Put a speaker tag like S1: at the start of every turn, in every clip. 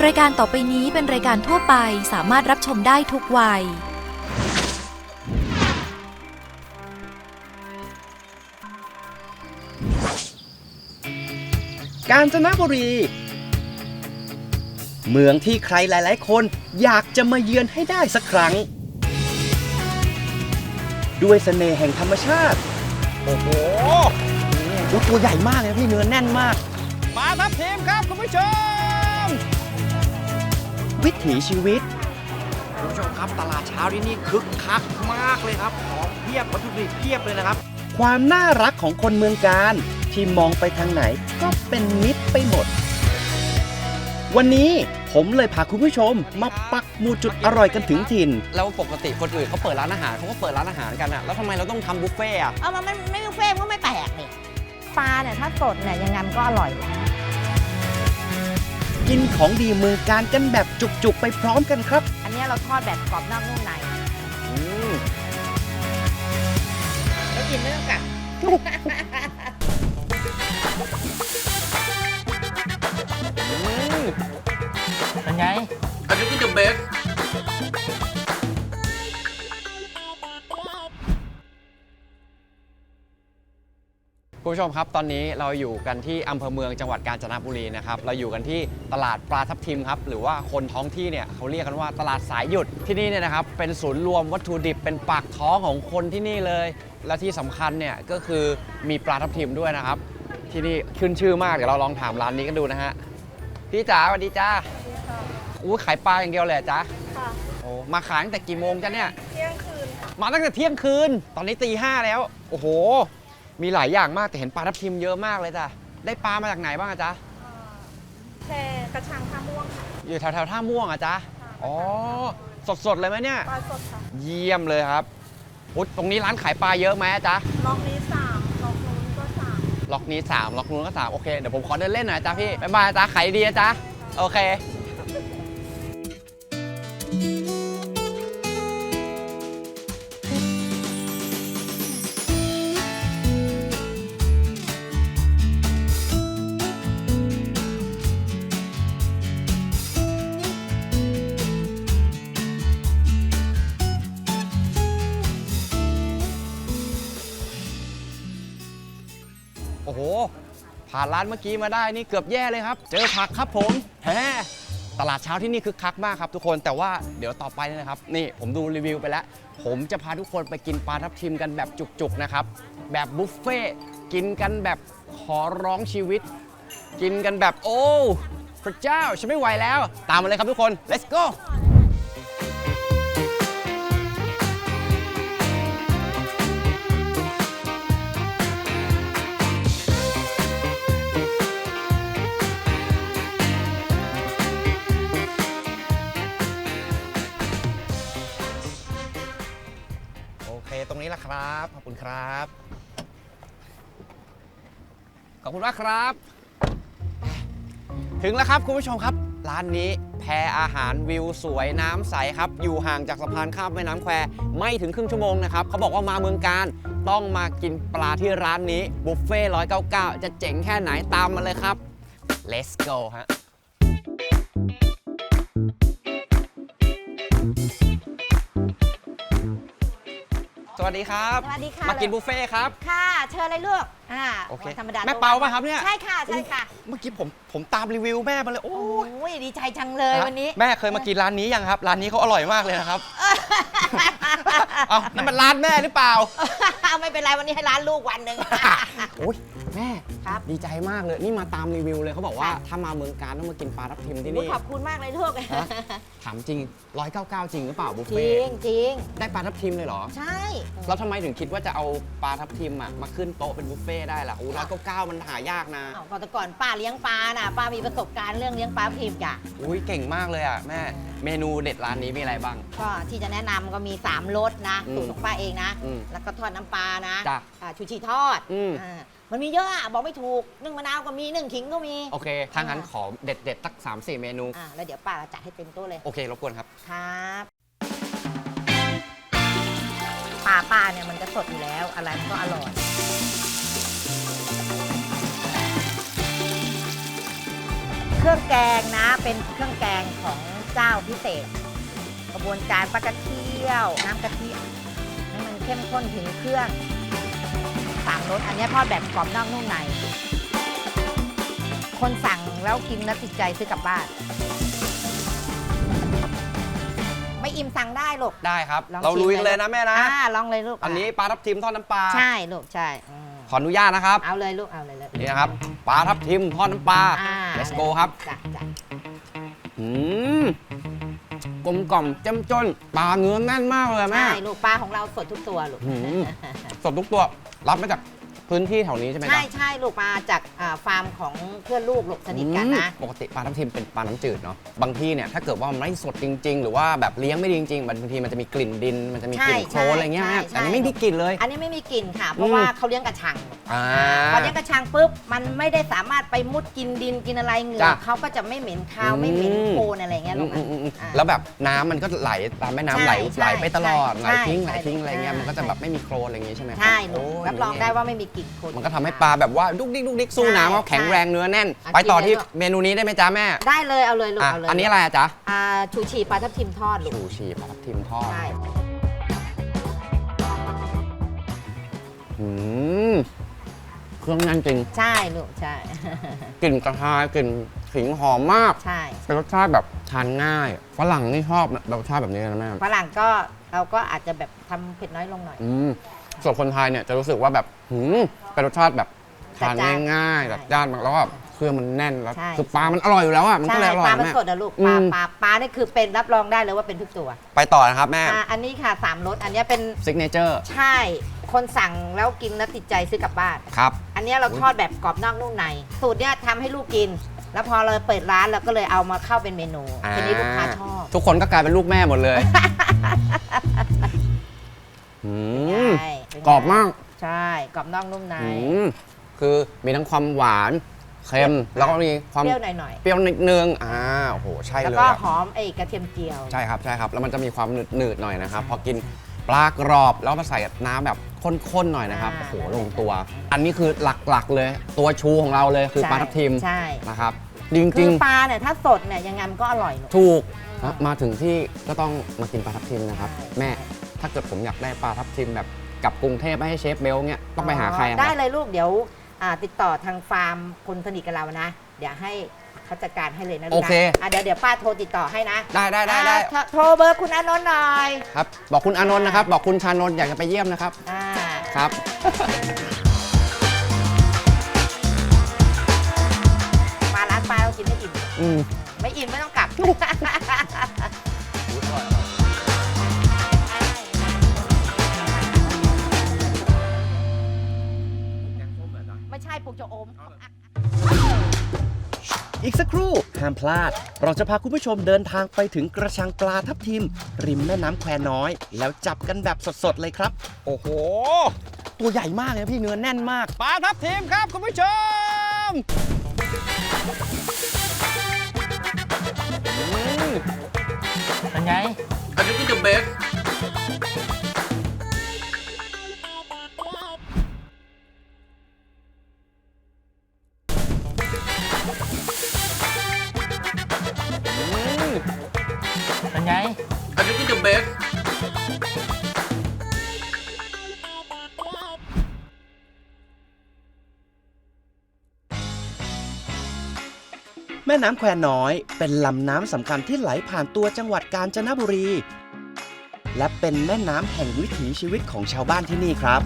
S1: รายการต่อไปนี้เป็นรายการทั่วไปสามารถรับชมได้ทุกวัย
S2: กาญจนบุรีเมืองที่ใครหลายๆคนอยากจะมาเยือนให้ได้สักครั้งด้วยเสน่ห์แห่งธรรมชาติโอ้โหตัวใหญ่มากเลยพี่เนื้อแน่นมากมาทับทีมครับคุณผู้ชมวิถีชีวิตคุณผู้ชมครับตลาดเช้าที่นี่คึกคักมากเลยครับของเพียบวัตถุดิบเพียบเลยนะครับความน่ารักของคนเมืองกาญที่มองไปทางไหนก็เป็นมิตรไปหมดวันนี้ผมเลยพาคุณผู้ชมมาปักหมุดจุดอร่อยกันถึงถิ่นแล้วปกติคนอื่นเขาเปิดร้านอาหารเขาก็เปิดร้านอาหารกันอะแล้วทำไมเราต้องทำบุฟเฟ่อะ
S3: มันไม่บุฟเฟ่ก็ไม่แปลกนี่ปลาเนี่ยถ้าสดเนี่ยยังไงมันก็อร่อย
S2: กินของดีเมืองกาญกันแบบจุกๆไปพร้อมกันครับ
S3: อันนี้เราทอดแบบกรอบนอกนุ่มในแล้วกินไม่ต้องกัด
S4: เป็นไง
S2: อันนี้คือ the best คุณผู้ชมครับตอนนี้เราอยู่กันที่อำเภอเมืองจังหวัดกาญจนบุรีนะครับเราอยู่กันที่ตลาดปลาทับทิมครับหรือว่าคนท้องที่เนี่ยเขาเรียกกันว่าตลาดสายหยุดที่นี่เนี่ยนะครับเป็นศูนย์รวมวัตถุดิบเป็นปากท้องของคนที่นี่เลยและที่สำคัญเนี่ยก็คือมีปลาทับทิมด้วยนะครับที่นี่ขึ้นชื่อมากเดี๋ยวเราลองถามร้านนี้กันดูนะฮะพี่จ๋าสวัสดีจ้าขายปลาอย่างเดียวเลยจ้าค่ะโอ้มาขายตั้งแต่กี่โมงจ้ะเนี่ย
S3: เที่ยงคืน
S2: มาตั้งแต่เที่ยงคืนตอนนี้ตี 5แล้วโอ้โหมีหลายอย่างมากแต่เห็นปลาทับทิมเยอะมากเลยจ้ะได้ปลามาจากไหนบ้างอะจ๊ะ
S3: แช่กระชังท่าม่วงค่ะ
S2: อยู่แถวท่าม่วงอะจ๊ะอ๋อสดเลยไหมเนี่ย
S3: ปลาสดค่ะ
S2: เยี่ยมเลยครับตรงนี้ร้านขายปลาเยอะไหมจ๊ะ
S3: ล็อกนี้3ล็อกนู้นก็3
S2: ล็อกนี้3ล็อกนู้นก็3โอเคเดี๋ยวผมขอเดินเล่นหน่อยจ๊ะพี่บ๊ายบายจ๊ะขายดีนะจ๊ะโอเคโอ้โหผ่านร้านเมื่อกี้มาได้นี่เกือบแย่เลยครับเจอผักครับผมตลาดเช้าที่นี่คึกคักมากครับทุกคนแต่ว่าเดี๋ยวต่อไปนะครับนี่ผมดูรีวิวไปแล้วผมจะพาทุกคนไปกินปลาทับทิมกันแบบจุกๆนะครับแบบบุฟเฟ่กินกันแบบขอร้องชีวิตกินกันแบบโอ้พระเจ้าฉันไม่ไหวแล้วตามมาเลยครับทุกคน let's goตรงนี้แหละครับขอบคุณครับขอบคุณมากครับถึงแล้วครับคุณผู้ชมครับร้านนี้แพอาหารวิวสวยน้ำใสครับอยู่ห่างจากสะพานข้ามแม่น้ำแควไม่ถึงครึ่งชั่วโมงนะครับเขาบอกว่ามาเมืองกาญต้องมากินปลาที่ร้านนี้บุฟเฟ่199จะเจ๋งแค่ไหนตามมาเลยครับ let's go ฮะสวัสดีครับ
S3: สวัสดีค่ะ
S2: มากินบุฟเฟ่ครับ
S3: ค่ะเชิญเลยลูก
S2: โอเค
S3: ธรรมดา
S2: แม่เปาป่ะครับเนี่ย
S3: ใช่ค่ะใช่ค่ะ
S2: เมื่อกี้ผมตามรีวิวแม่มาเลยโอ้
S3: ยดีใจจังเลยวันนี้
S2: แม่เคยมากินร้านนี้ยังครับร้านนี้เขาอร่อยมากเลยนะครับนั่นมันร้านแม่หรือเปล่า
S3: ไม่เป็นไรวันนี้ให้ร้านลูกวันหนึ่ง
S2: โอ้ยแม่
S3: ครับ
S2: ดีใจมากเลยนี่มาตามรีวิวเลยเขาบอกว่าถ้ามาเมืองกาญต้องมากินปลาทับทิมที่นี่
S3: ขอบคุณมากเลยลูก
S2: ถามจริง199จริงหรือเปล่าบุฟเฟ่
S3: จริง
S2: ได้ปลาทับทิมเลยเหรอ
S3: ใช่
S2: แล้วทำไมถึงคิดว่าจะเอาปลาทับทิมมาขึ้นโต๊ะเป็นบุฟเฟ่ได้ล่ะ199มันหายากนะ
S3: แต่ก่อนป้าเลี้ยงปลาน่ะป้ามีประสบการณ์เรื่องเลี้ยงปลาทับทิมจ้ะ
S2: อุ้ยเก่งมากเลยอ่ะแม่เมนูเด็ดร้านนี้มีอะไรบ้าง
S3: ก็ที่จะแนะนำก็มี3รสนะสูตรของป้าเองนะแล้วก็ทอดน้ำปลานะชูชีทอดมันมีเยอะบอกไม่ถูกนึ่งมะนาวก็มีนึ่งขิงก็มี
S2: โอเคถ้างั้นขอเด็ดสัก 3-4 เมนู
S3: แล้วเดี๋ยวป้าจัดให้เต็มโต๊ะเลย
S2: โอเครบกวนครับ
S3: ครับปลาเนี่ยมันจะสดอยู่แล้วอะไรมันก็อร่อยเครื่องแกงนะเป็นเครื่องแกงของเจ้าพิเศษ กระบวนการปลากระเทียวน้ำกะทิให้มันเข้มข้นถึงเครื่อง3 รสอันนี้ทอดแบบกรอบนอกนุ่มในคนสั่งแล้วกินแล้วติดใจซื้อกลับบ้านไม่อิ่มสั่งได้ลูก
S2: ได้ครับ
S3: ลอง
S2: เรา
S3: ชิม
S2: ลุย
S3: เลย
S2: เลยนะแม่นะ
S3: ลองเลยลูก
S2: อันนี้ปลาทับทิมทอดน้ำปลา
S3: ใช่ลูกใช่
S2: ขออนุญาตนะครับ
S3: เอาเลยลูกเอาเลยเลย
S2: นี่นะครับปลาทับทิมทอดน้ำปลา let's go ครับ
S3: จ้ะ
S2: อืมกลมกล่อมเจ้มจนปลาเนื้อแน่นมากเลยแม่
S3: ใช่ลูกปลาของเราสดทุกตัวลูก
S2: อืม สดทุกตัวรับมาจากพื้นที่แถวนี้ใช่ไหม
S3: ใช่
S2: จ๊ะ
S3: ใช่ลูกมาจากฟาร์มของเพื่อนลูกลูกสนิทกันนะ
S2: ปกติปลาทับทิมเป็นปลาน้ำจืดเนาะบางที่เนี่ยถ้าเกิดว่ามันไม่สดจริง ๆ หรือว่าแบบเลี้ยงไม่ดีจริงๆบางทีมันจะมีกลิ่นดินมันจะมีกลิ่นโคลนอะไรเงี้ย
S3: ใช่
S2: แต่อันนี้ไม่มีกลิ่นเลย
S3: อันนี้ไม่มีกลิ่นค่ะ เพราะว่าเขาเลี้ยงกระชัง
S2: อ่า
S3: พอเลี้ยงกระชังปุ๊บมันไม่ได้สามารถไปมุดกินดินกินอะไรเหงื่อ
S2: จ้ะ
S3: เขาก็จะไม่เหม็นคาวไม่เหม็นโคลนอะไรเงี้ยลูก
S2: แล้วแบบน้ำมันก็ไหลตามแม่น้ำ
S3: ใช่
S2: ไหลไปตลอด
S3: ใช่
S2: ไหลทิ้ง
S3: ใช่
S2: อะไรเงี้ย
S3: ใช่
S2: มันก็จะแบบไม่มีโคลนอะไรอย่างงี้ใช่ไหมครับ
S3: ใช่ลูก
S2: โย
S3: รับรองได้ว่าไม่มีกลิ่นโคลน
S2: มันก็ทำให้ปลาแบบว่าดุกดิกสู้น้ำเขาแข็งแรงเนื้อแน่น
S3: อ่ะ
S2: ไปต่อ
S3: กินเลย
S2: ที่
S3: ลูก
S2: เมนูนี้ได้ไหมจ๊ะแม่
S3: ได้เลยเอาเลยลูก
S2: อ่ะ
S3: เอาเลย
S2: อันนี้อะไรอะจ๊ะ
S3: ชูชีปลาทับทิมทอดลูก
S2: ชูชีปลาทับทิมทอด
S3: ใช่
S2: อืมเครื่องแน่นจริง
S3: ใช่ลูกใช่
S2: กลิ่นกระชายกลิ่นขิงหอมมาก
S3: ใช่
S2: เป็นรสชาติแบบทานง่ายฝรั่งนี่ชอบรสชาติแบบนี้นะแม่
S3: ฝรั่งก็เราก็อาจจะแบบทำเผ็ดน้อยลงหน่อย
S2: ส่วนคนไทยเนี่ยจะรู้สึกว่าแบบเป็นรสชาติแบบทานง่ายๆ
S3: ใช่
S2: จัดจ้านมากแล้วก็เครื่องมันแน่นแล้ว
S3: ใช่
S2: คือปลามันอร่อยอยู่แล้วอ่ะมันก็
S3: ใช่
S2: เลยอร่
S3: ป
S2: อย
S3: ลามัน
S2: แม่
S3: สดอะลูก
S2: อื
S3: ปลาม ปลานี่คือเป็นรับรองได้เลยว่าเป็นทุกตัว
S2: ไปต่อนะครับแม่
S3: อันนี้ค่ะ3 รสอันนี้เป็น
S2: ซิกเนเจอร์
S3: ใช่คนสั่งแล้วกินแล้วติดใจซื้อกลับบ้าน
S2: ครับ
S3: อันนี้เราทอดแบบกรอบนอกนุ่มในสูตรเนี้ยทำให้ลูกกิน แล้วพอเราเปิดร้านเราก็เลยเอามาเข้าเป็นเมนูทีนี้ลูกค้าชอบ
S2: ทุกคนก็กลายเป็นลูกแม่หมดเลยอืม
S3: ใช่เป็นไง
S2: กรอบมาก
S3: ใช่กรอบนอกนุ่มใน
S2: คือมีทั้งความหวานเค็มแล้วก็มีความ
S3: เปรี้ยวหน่อย
S2: เปรี้ยวนิดนึงโอ้โหใช่
S3: ๆแล้ว
S2: เลย
S3: ก็
S2: อะ
S3: หอมไอ้กระเทียมเจียว
S2: ใช่ครับใช่ครับแล้วมันจะมีความหนืดๆหน่อยนะครับพอกินปลากรอบแล้วมาใส่น้ำแบบข้นๆหน่อยนะครับโอ้โหลงตัว อันนี้คือหลักๆเลยตัวชูของเราเลยคือ
S3: ใช่
S2: ปลาทับทิม
S3: ใช่
S2: นะครับจ
S3: คื
S2: ริง
S3: อปลาเนี่ยถ้าสดเนี่ยยังไงมันก็อร่อยลูก
S2: ๆถูกมาถึงที่ก็ต้องมากินปลาทับทิมนะครับ
S3: ใช่
S2: แม่ถ้าเกิดผมอยากได้ปลาทับทิมแบบกลับกรุงเทพไม่ให้เชฟเบลเนี่ยต้องไปหาใครอะค
S3: ได้
S2: รับ
S3: เลยลูกเดี๋ยวติดต่อทางฟาร์มคนสนิทกับเรานะ เดี๋ยวให้เขาจัดการให้เลยนะลูกนะ
S2: โอเค
S3: เดี๋ยวป้าโทรติดต่อให้นะ
S2: ได้
S3: โทรเบอร์คุณอานนท์หน่อย
S2: ครับบอกคุณอานนท์นะครับบอกคุณชานนท์อยากจะไปเยี่ยมนะครับ
S3: อ่า
S2: ครับ
S3: มาร้านป้าเรากินไม่อิ่ม ไม่อิ่มไม่ต้องกลับ ไม่ใช่ปลูกจะอม
S2: อีกสักครู่ห้ามพลาด เราจะพาคุณผู้ชมเดินทางไปถึงกระชังปลาทับทิม ริมแม่น้ำแควน้อย แล้วจับกันแบบสดๆเลยครับ โอ้โห ตัวใหญ่มากเลยพี่เนื้อแน่นมากปลาทับทิมครับคุณผู้ชม
S4: เป็นไง
S2: อันนี้คือ the best
S4: เป็นไง
S2: อันนี้คือ the best แม่น้ำแควน้อยเป็นลำน้ำสำคัญที่ไหลผ่านตัวจังหวัดกาญจนบุรี และเป็นแม่น้ำแห่งวิถีชีวิตของชาวบ้านที่นี่ครับ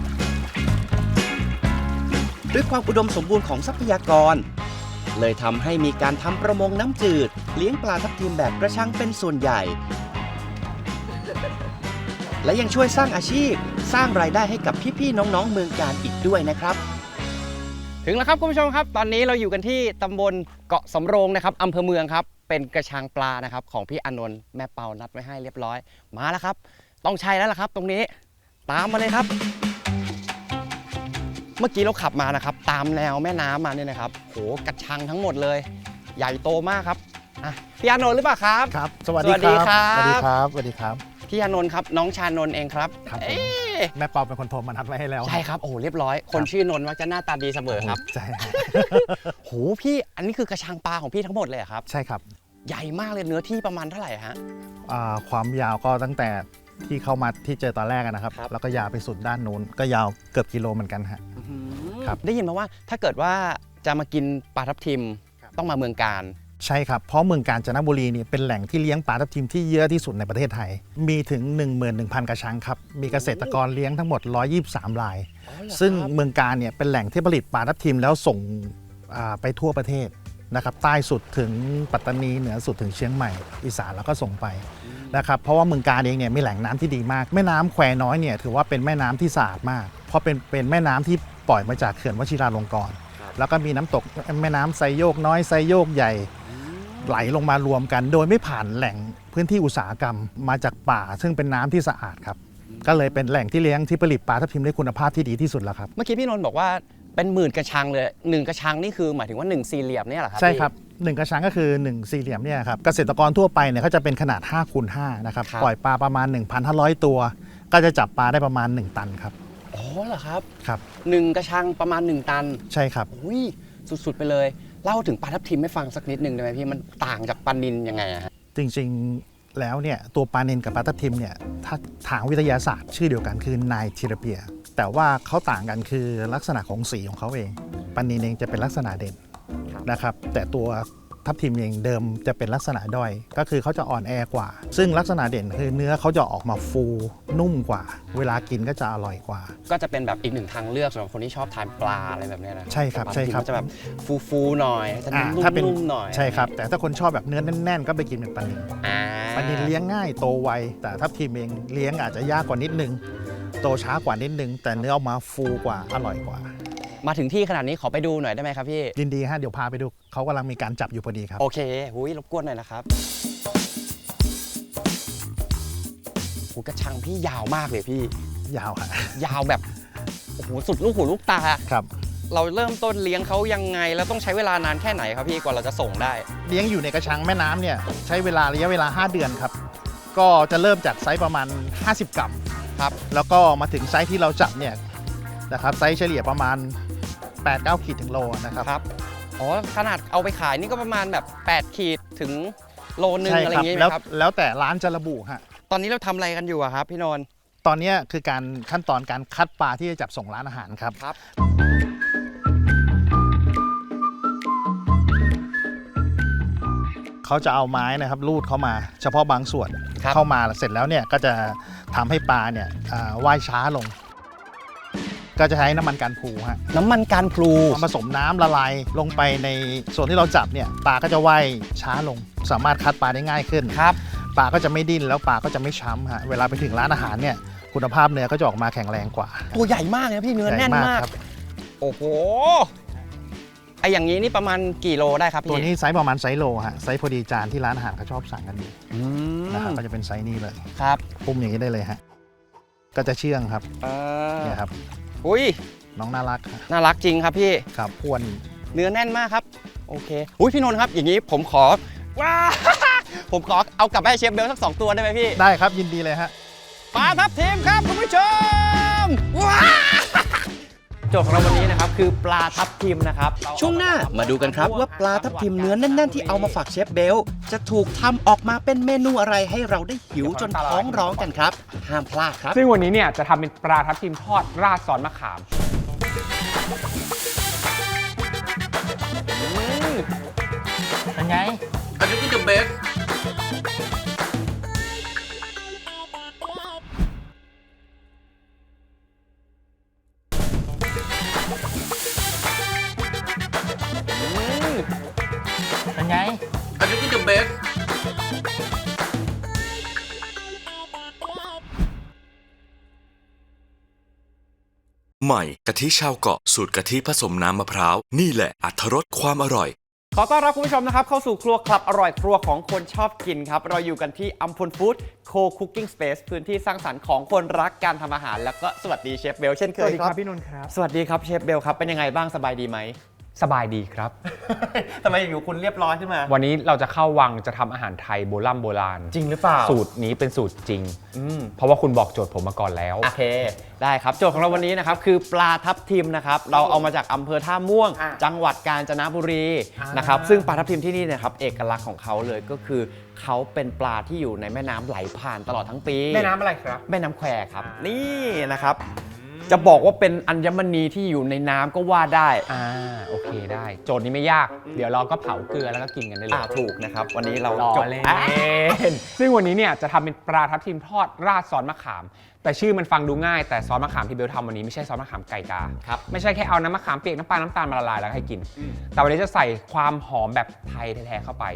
S2: ด้วยความอุดมสมบูรณ์ของทรัพยากร เลยทำให้มีการทำประมงน้ำจืดเลี้ยงปลาทับทิมแบบกระชังเป็นส่วนใหญ่ และยังช่วยสร้างอาชีพสร้างรายได้ให้กับพี่ๆน้องๆเมืองกาญอีกด้วยนะครับ ถึงแล้วครับคุณผู้ชมครับตอนนี้เราอยู่กันที่ตำบลเกาะสำโรงนะครับอำเภอเมืองครับเป็นกระชังปลานะครับของพี่อานนท์แม่เปานัดไว้ให้เรียบร้อยมาแล้วครับต้องใช่แล้วล่ะครับตรงนี้ตามมาเลยครับ เมื่อกี้เราขับมานะครับตามแนวแม่น้ำมาเนี่ยนะครับโหกระชังทั้งหมดเลย ใหญ่โตมากครับพี่อานนท์หรือเปล่าครับ
S5: ครับ สวัสดีครับ
S2: สวัสดีครับ
S5: สวัสดีครับ
S2: พี่อานนท์ครับน้องชานนท์เองครับ
S5: ครับผม
S2: เอ๊ะ
S5: แม่เปาเป็นคนโทรมานัดไว้ให้แล้ว
S2: ใช่ครับโอ้เรียบร้อย คนชื่อนนท์มักจะหน้าตาดีเสมอครับ
S5: ใช่ฮะ
S2: โหพี่อันนี้คือกระชังปลาของพี่ทั้งหมดเลยเหรอครับ
S5: ใช่ครับ
S2: ใหญ่มากเลยเนื้อที่ประมาณเท่าไหร่ฮะ
S5: ความยาวก็ตั้งแต่ที่เข้ามาที่เจอตอนแรกนะครับ
S2: ครับ
S5: แล้วก็ยาวไปสุดด้านนู้นก็ยาวเกือบกิโลเหมือนกันฮะ ครับ
S2: ได้ยินมาว่าถ้าเกิดว่าจะมากินปลาทับทิมต้องมาเมืองการ
S5: ใช่ครับเพราะเมืองกาญจนบุรีนี่เป็นแหล่งที่เลี้ยงปลาทับทิมที่เยอะที่สุดในประเทศไทย มีถึง 11,000 กระชังครับมีเกษตรกรเลี้ยงทั้งหมด 123 ราย ซึ่งเมืองการเนี่ยเป็นแหล่งที่ผลิตปลาทับทิมแล้วส่งไปทั่วประเทศนะครับใต้สุดถึงปัตตานีเหนือสุดถึงเชียงใหม่อีสานแล้วก็ส่งไปนะครับเพราะว่าเมืองการเองเนี่ยมีแหล่งน้ำที่ดีมากแม่น้ำแควน้อยเนี่ยถือว่าเป็นแม่น้ำที่สะอาดมาก เพราะเป็นแม่น้ำที่ปล่อยมาจากเขื่อนวชิราลงกรณ์แล้วก็มีน้ำตกแม่น้ำไซโยกน้อยไซโยกใหญ่ไหลลงมารวมกัน โดยไม่ผ่านแหล่งพื้นที่อุตสาหกรรมมาจากป่า ซึ่งเป็นน้ำที่สะอาดครับก็เลยเป็นแหล่งที่เลี้ยงที่ผลิตปลาทับทิมได้คุณภาพที่ดีที่สุดแล้วครับ
S2: เมื่อกี้พี่นนท์บอกว่าเป็นหมื่นกระชังเลย1กระชังนี่คือหมายถึงว่า1สี่เหลี่ยมเนี่ยเหรอครับ
S5: ใช่
S2: พี่
S5: ครับ1กระชังก็คือ1สี่เหลี่ยมเนี่ยครับเกษตรกรทั่วไปเนี่ยเขาจะเป็นขนาด5คูณ5นะครับ
S2: ครับ
S5: ปล่อยปลาประมาณ 1,500 ตัว ก็จะจับปลาได้ประมาณ1ตันครับ
S2: อ๋อเหรอครับ
S5: ครับ
S2: 1กระชังประมาณ1ตัน
S5: ใช่ครับ
S2: อุ้ยสุดๆไปเลยเล่าถึงปลาทับทิมให้ฟังสักนิดหนึ่งได้ไหมพี่มันต่างจากปลานิลยังไงอะฮะ
S5: จริงๆแล้วเนี่ยตัวปลาเนนกับปลาทับทิมเนี่ยถ้าทางวิทยาศาสตร์ชื่อเดียวกันคือไนทีราเปียแต่ว่าเขาต่างกันคือลักษณะของสีของเขาเองปลาเนนเองจะเป็นลักษณะเด่นนะครับแต่ตัวทับทิมเองเดิมจะเป็นลักษณะด้อยก็คือเขาจะอ่อนแอกว่า ซึ่งลักษณะเด่นคือเนื้อเขาจะออกมาฟูนุ่มกว่า เวลากินก็จะอร่อยกว่า
S2: ก็จะเป็นแบบอีกหนึ่งทางเลือกสำหรับคนที่ชอบทานปลาอะไรแบบเนี้ยนะ
S5: ใช่ครับ
S2: ปลา
S5: ใช่ครับ
S2: ทับทิมก็จะแบบฟูๆหน่อยจะนุ่ม
S5: ถ้าเป็น
S2: ๆหน่อย
S5: ใช่ครับแต่ถ้าคนชอบแบบเนื้อแน่นๆก็ไปกินเป็นปลานิล
S2: อ่า
S5: ปลานิลเลี้ยงง่ายโตไวแต่ทับทิมเองเลี้ยงอาจจะยากกว่านิดนึงโตช้ากว่านิดนึงแต่เนื้อออกมาฟูกว่าอร่อยกว่า
S2: มาถึงที่ขนาดนี้ขอไปดูหน่อยได้ไหมครับพี่
S5: ยินดีฮะเดี๋ยวพาไปดูเขากำลังมีการจับอยู่พอดีครับ
S2: โอเคหุยรบกวนหน่อยนะครับหูกระชังพี่ยาวมากเลยพี่
S5: ยาวฮะ
S2: ยาวแบบโอ้โหสุดลูกหูลูกตา
S5: ครับ
S2: เราเริ่มต้นเลี้ยงเขายังไงแล้วต้องใช้เวลานานแค่ไหนครับพี่กว่าเราจะส่งได้
S5: เลี้ยงอยู่ในกระชังแม่น้ำเนี่ยใช้ระยะเวลา 5 เดือนครับก็จะเริ่มจากไซส์ประมาณ 50 กรัม
S2: ครับ
S5: แล้วก็มาถึงไซส์ที่เราจับเนี่ยนะครับไซส์เฉลี่ยประมาณ 8-9 ขีดถึงโลนะครับ
S2: ครับอ๋อขนาดเอาไปขายนี่ก็ประมาณแบบ8ขีดถึงโลนึง
S5: ใช่
S2: อะไรอ
S5: ครับ
S2: ย่างงี้ไหม
S5: แล้ว
S2: ครับ
S5: แล้วแต่ร้านจะระบุฮะ
S2: ตอนนี้เราทำอะไรกันอยู่อะครับพี่นนท์
S5: ตอนเนี้ยคือการขั้นตอนการคัดปลาที่จะจับส่งร้านอาหารครับ
S2: ครับ
S5: เขาจะเอาไม้นะครับลูดเข้ามาเฉพาะบางส่วน
S2: ครับ
S5: เข้ามาเสร็จแล้วเนี่ยก็จะทำให้ปลาเนี่ยว่ายช้าลง ก็จะใช้น้ำมันการพลูฮะ
S2: น้ำมันการพลู
S5: ผสมน้ำละลายลงไปในส่วนที่เราจับเนี่ยปลาก็จะว่ายช้าลง สามารถคัดปลาได้ง่ายขึ้น
S2: ครับ
S5: ปลาก็จะไม่ดิ้นแล้วปลาก็จะไม่ช้ำฮะเวลาไปถึงร้านอาหารเนี่ยคุณภาพเนื้อก็จะออกมาแข็งแรงกว่า
S2: ตัวใหญ่มากเลยนะพี่เนื้อ
S5: ใหญ่
S2: แน่นมาก
S5: ครับ
S2: โอ้โหไออย่างนี้นี่ประมาณกี่โลได้ครับพี่
S5: ตัวนี้ไซส์ประมาณไซส์โลฮะไซส์พอดีจานที่ร้านอาหารเขาชอบสั่งกันอยู่
S2: อืม
S5: นะครับก็จะเป็นไซส์นี้เลย
S2: ครับ
S5: ปุ้มอย่างนี้ได้เลยฮะก็จะเชื่องครับเนี่ยครับ
S2: อุ้ย
S5: น้องน่ารักฮะ
S2: น่ารักจริงครับพี่
S5: ครับอ้วน
S2: เนื้อแน่นมากครับโอเคอุ้ยพี่นนท์ครับอย่างนี้ผมขอว้า ผมขอเอากลับไปให้เชฟเบลสัก2ตัวได้ไหมพี่
S5: ได้ครับยินดีเลยฮะ
S2: ปลาทับทิมครับคุณผู้ชมว้าโจทย์ของเราวันนี้นะครับคือปลาทับทิมนะครับช่วงหน้ามาดูกันครับว่าปลาทับทิมเนื้อแน่นๆที่เอามาฝากเชฟเบลจะถูกทำออกมาเป็นเมนูอะไรให้เราได้หิวจนท้องร้องกันครับห้ามพลาดครับ
S6: ซึ่งวันนี้เนี่ยจะทำเป็นปลาทับทิมทอดราดซอสมะขาม
S4: เป็นไง เป็นไง
S7: ใหม่กะทิชาวเกาะสูตรกะทิผสมน้ำมะพร้าวนี่แหละอรรถรสความอร่อย
S2: ขอต้อนรับคุณผู้ชมนะครับเข้าสู่ครัวคลับอร่อยครัวของคนชอบกินครับเราอยู่กันที่อัมพลฟู้ดโคคุกกิ้งสเปซพื้นที่สร้างสรรค์ของคนรักการทำอาหารแล้วก็สวัสดีเชฟเบลเช่นเค
S6: สวัส
S2: ย
S6: ดี
S2: ค
S6: ค
S2: รั
S6: รับ บพี่นนท์ครับ
S2: สวัสดีครับเชฟเบลครับเป็นยังไงบ้างสบายดีไหม
S6: สบายดีครับ
S2: ทำไมอยู่คุณเรียบร้อยขึ้นมา
S6: วันนี้เราจะเข้าวังจะทำอาหารไทยโบราณ
S2: จริงหรือเปล่า
S6: สูตรนี้เป็นสูตรจริง เพราะว่าคุณบอกโจทย์ผมมาก่อนแล้ว
S2: โอเค ได้ครับ โจทย์ของเราวันนี้นะครับคือปลาทับทิมนะครับ เราเอามาจากอำเภอท่าม่วง จังหวัดกาญจนบุรีนะครับ ซึ่งปลาทับทิมที่นี่นะครับเอกลักษณ์ของเขาเลยก็คือเขาเป็นปลาที่อยู่ในแม่น้ำไหลผ่านตลอดทั้งปี
S6: แม่น้ำอะไรครับ
S2: แม่น้ำแควครับ นี่นะครับ จะบอกว่าเป็นอัญมณีที่อยู่ในน้ำก็ว่าได้
S6: โอเคได้ โจทย์นี้ไม่ยาก เดี๋ยวเราก็เผาเกลือแล้วก็กินกันได้เลย
S2: ถูกนะครับ วันนี้เรา
S6: รอ
S2: จบ
S6: เล่นซึ่งวันนี้เนี่ยจะทำเป็นปลาทับทิมทอดราดซอสมะขาม แต่ชื่อมันฟังดูง่ายแต่ซอสมะขามที่เบลทำวันนี้ไม่ใช่ซอสมะขามไก่กา
S2: ครับ
S6: ไม่ใช่แค่เอาน้ำมะขามเปียกน้ำปลาน้ำตาลมาละลายแล้วให้กิน แต่วันนี้จะใส่ความหอมแบบไทยแท้ๆเข้าไป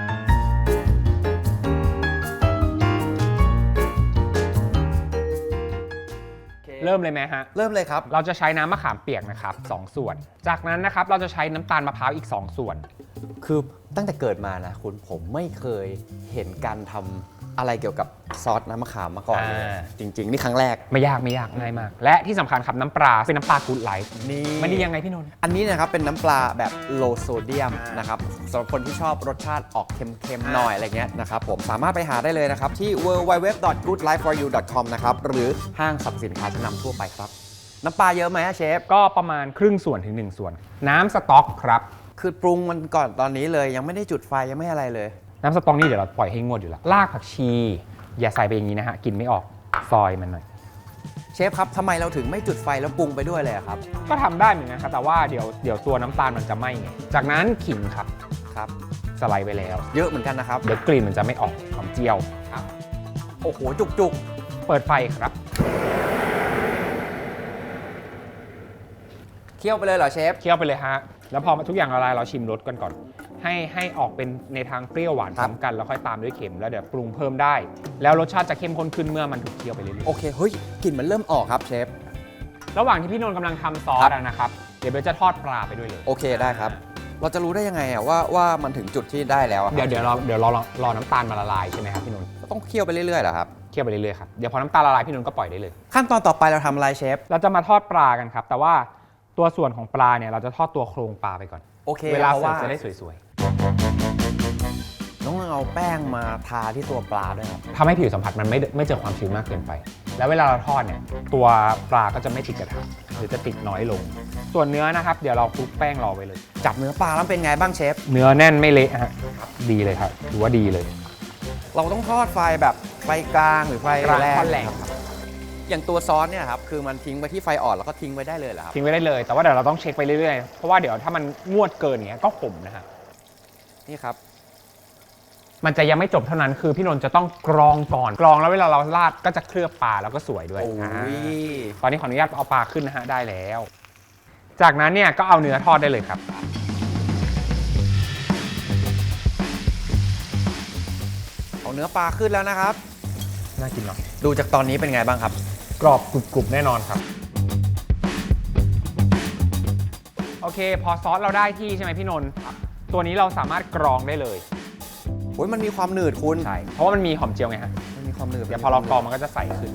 S6: เริ่มเลยไหมฮะ
S2: เริ่มเลยครับ
S6: เราจะใช้น้ำมะขามเปียกนะครับ2ส่วน จากนั้นนะครับเราจะใช้น้ำตาลมะพร้าวอีก2ส่วน
S2: คือตั้งแต่เกิดมานะคุณผมไม่เคยเห็นการทำอะไรเกี่ยวกับซอสน้ำมะขามมาก่อนเลย จริง ๆ นี่ครั้งแรก
S6: ไม่ยากง่ายมาก และที่สำคัญครับน้ำปลาเป็นน้ำปลากู๊ดไลท์
S2: นี่
S6: มันดียังไงพี่นนท์
S2: อันนี้นะครับเป็นน้ำปลาแบบโลโซเดียมนะครับสำหรับคนที่ชอบรสชาติออกเค็มๆหน่อยอะไรเงี้ยนะครับผมสามารถไปหาได้เลยนะครับที่ www.goodlifeforyou.com นะครับหรือห้างสรรพสินค้าชั้นนำทั่วไปครับ น้ำปลาเยอะไหมเชฟ
S6: ก็ประมาณครึ่งส่วนถึง1ส่วน น้ำสต๊อกครับ
S2: คือปรุงมันก่อนตอนนี้เลยยังไม่ได้จุดไฟยังไม่อะไรเลย
S6: น้ำสต๊อกนี่เดี๋ยวเราปล่อยให้งวดอยู่แล้วรากผักชี อย่าใส่ไปอย่างนี้นะฮะกินไม่ออกซอยมันหน่อย
S2: เชฟครับทำไมเราถึงไม่จุดไฟแล้วปรุงไปด้วยเลยอะครับ
S6: ก็ทำได้เหมือนกันครับแต่ว่าเดี๋ยวตัวน้ำตาลมันจะไหม้ไงจากนั้นขิงครับ
S2: ครับ
S6: สไลด์ไปแล้ว
S2: เยอะเหมือนกันนะครับ
S6: เดี๋ยวกลิ่นมันจะไม่ออกหอมเจียว
S2: โอ้โหจุก
S6: เปิดไฟครับ
S2: ๆเคี่ยวไปเลยเหรอเชฟ
S6: เคี่ยวไปเลยฮะแล้วพอทุกอย่างละลายเราชิมรสกันก่อน ให้ออกเป็นในทางเปรี้ยวหวานพร้อมกันแล้วค่อยตามด้วยเค็มแล้วเดี๋ยวปรุงเพิ่มได้ แล้วรสชาติจะเข้มข้นขึ้นเมื่อมันถูกเคี่ยวไปเรื่อย
S2: โอเคเฮ้ยกลิ่นมันเริ่มออกครับเชฟ
S6: ๆระหว่างที่พี่นนท์กำลังทำซอสอะนะครับเดี๋ยวเบลจะทอดปลาไปด้วยเลย
S2: โอเคได้ครับ เราจะรู้ได้ยังไงอะว่ามันถึงจุดที่ได้แล้วอะครับ
S6: เดี๋ยวรอน้ำตาลมาละลายใช่ไหมครับพี่นนท์
S2: ต้องเคี่ยวไปเรื่อยๆเหรอครับ
S6: เคี่ยวไปเรื่อยๆครับเดี๋ยวพอน้ำตาลละลายพี่นนท์ก็ปล่อยได้เลย
S2: ขั้นตอนต่อไปเราทำอะไรเชฟ
S6: เราจะมาทอดปลากันครับแต่ว่าตัวส่วนของปลาเนี่ยเราจะทอดตัวโครงปลาไปก่อน
S2: โอเค
S6: เวลา
S2: พระ
S6: เสิร์ฟจะได้สวย
S2: ต้องเอาแป้งมาทาที่ตัวปลาด้วยครับ
S6: ๆทำให้ผิวสัมผัสมันไม่เจอความชื้นมากเกินไป แล้วเวลาเราทอดเนี่ยตัวปลาก็จะไม่ติดกระทะหรือจะติดน้อยลง ส่วนเนื้อนะครับเดี๋ยวเราคลุกแป้งรอไว้เลย
S2: จับเนื้อปลาแล้วเป็นไงบ้างเชฟ
S6: เนื้อแน่นไม่เละฮะดีเลยครับถือว่าดีเลย
S2: เราต้องทอดไฟแบบไฟกลางหรือไฟ
S6: กลาง
S2: แรง
S6: ค่อนแรง
S2: ครับอย่างตัวซอสเนี่ยครับคือมันทิ้งไว้ที่ไฟอ่อนแล้วก็ทิ้งไว้ได้เลยเหรอครับ
S6: ทิ้งไว้ได้เลย แต่ว่าเดี๋ยวเราต้องเช็คไปเรื่อยๆเพราะว่าเดี๋ยวถ้ามันงวดเกินอย่างเงี้ยก็ขมนะฮะ
S2: นี่ครับ
S6: มันจะยังไม่จบเท่านั้นคือพี่นนท์จะต้องกรองก่อนกรองแล้วเวลาเราราดก็จะเคลือบปลาแล้วก็สวยด้วย
S2: โอ้ย
S6: ตอนนี้ขออนุญาตเอาปลาขึ้นนะฮะได้แล้ว จากนั้นเนี่ยก็เอาเนื้อทอดได้เลยครับ
S2: เอาเนื้อปลาขึ้นแล้วนะครับ
S6: น่ากินเนาะ
S2: ดูจากตอนนี้เป็นไงบ้างครับ
S6: กรอบกรุบๆแน่นอนครับ โอเคพอซอสเราได้ที่ใช่ไหมพี่นนท์ตัวนี้เราสามารถกรองได้เลย
S2: โอ้ยมันมีความหนืดคุณ
S6: ใช่เพราะว่ามันมีหอมเจียวไงฮะ
S2: มันมีความหนืด
S6: เดี๋ยวพอเรากรองมันก็จะใสขึ้น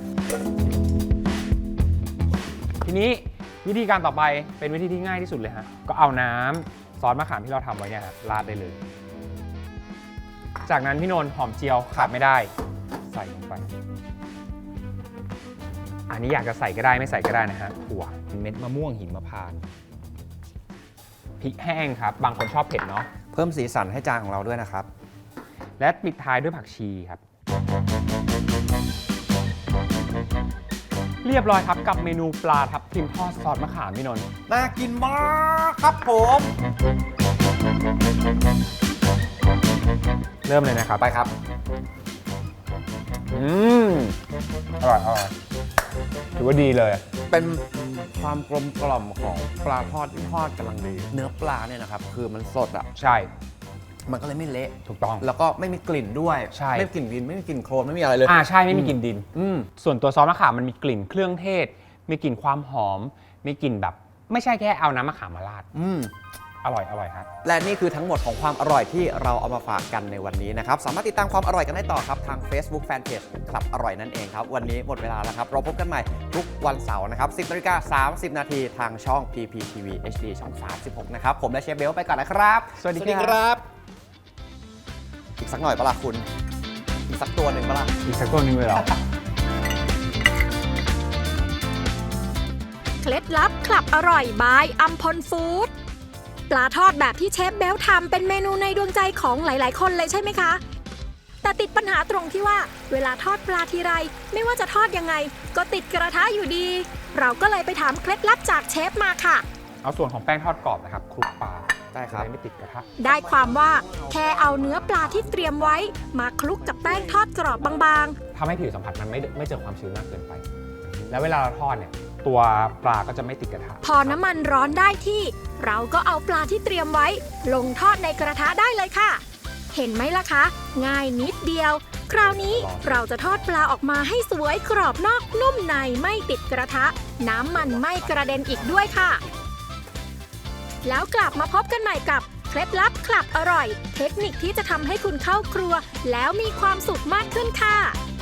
S6: ทีนี้วิธีการต่อไปเป็นวิธีที่ง่ายที่สุดเลยฮะก็เอาน้ำซอสมะขามที่เราทำไว้เนี่ยฮะราดได้เลย จากนั้นพี่นนท์หอมเจียวขาดไม่ได้ใส่ลงไป อันนี้อยากจะใส่ก็ได้ไม่ใส่ก็ได้นะฮะถั่วเม็ดมะม่วงหิมพานต์พริกแห้งครับบางคนชอบเผ็ดเนาะ
S2: เพิ่มสีสันให้จานของเราด้วยนะครับ
S6: และปิดท้ายด้วยผักชีครับ เรียบร้อยครับกับเมนูปลาทับทิมทอดซอสมะขามพี่นนท์
S2: น่ากินมากครับผม
S6: เริ่มเลยนะครับไปครับอร่อยถือว่าดีเลย
S2: เป็นความกลมกล่อมของปลาทอดที่ทอดกำลังดี เนื้อปลาเนี่ยนะครับคือมันสดอ่ะ
S6: ใช่
S2: มันก็เลยไม่เละ
S6: ถูกต้อง
S2: แล้วก็ไม่มีกลิ่นด้วย
S6: ใช่
S2: ไม่มีกลิ่นดินไม่มีกลิ่นโคลนไม่มีอะไรเลย
S6: ใช่ไม่มีกลิ่นดิน
S2: อืม
S6: ส่วนตัวซอสมะขามมันมีกลิ่นเครื่องเทศ มีกลิ่นความหอม มีกลิ่นแบบ ไม่ใช่แค่เอาน้ำมะขามมาราด
S2: อืม
S6: อร่อยครับ
S2: และนี่คือทั้งหมดของความอร่อยที่เราเอามาฝากกันในวันนี้นะครับสามารถติดตามความอร่อยกันได้ต่อครับทาง Facebook Fanpage คลับอร่อยนั่นเองครับวันนี้หมดเวลาแล้วครับเราพบกันใหม่ทุกวันเสาร์นะครับ 10:30 น.ทางช่อง PPTV HD ช่อง 36 นะครับผมและเชฟเบลไปก่อนนะครับ
S6: สวัสดีครับ
S2: อีกสักหน่อยปะล่ะคุณอีกสักตัวหนึ่งปะล่ะ
S6: อีกสักตัวหนึงเลยเหรอ
S8: เคล็ดลับคลับอร่อยบายอัมพลฟู้ดปลาทอดแบบที่เชฟเบลทำเป็นเมนูในดวงใจของหลายๆ คนเลยใช่ไหมคะ แต่ติดปัญหาตรงที่ว่าเวลาทอดปลาทีไรไม่ว่าจะทอดยังไง ก็ติดกระทะอยู่ดี เราก็เลยไปถามเคล็ดลับจากเชฟมาค่ะ
S6: เอาส่วนของแป้งทอดกรอบนะครับคลุกปลา
S2: ได้ครับ
S6: จะไม่ติดกระทะ
S8: ได้ความว่าแค่เอาเนื้อปลาที่เตรียมไว้ มาคลุกกับแป้งทอดกรอบบาง
S6: ทำให้ผิวสัมผัสมันไม่เจอความชื้นมากเกินไป แล้วเวลาเราทอดเนี่ยตัวปลาก็จะไม่ติดกระทะ
S8: ๆ พอน้ำมันร้อนได้ที่ เราก็เอาปลาที่เตรียมไว้ ลงทอดในกระทะได้เลยค่ะ เห็นไหมล่ะคะ ง่ายนิดเดียว คราวนี้เราจะทอดปลาออกมาให้สวยกรอบนอกนุ่มในไม่ติดกระทะ น้ำมันไม่กระเด็นอีกด้วยค่ะ แล้วกลับมาพบกันใหม่กับเคล็ดลับคลับอร่อย เทคนิคที่จะทำให้คุณเข้าครัว แล้วมีความสุขมากขึ้นค่ะ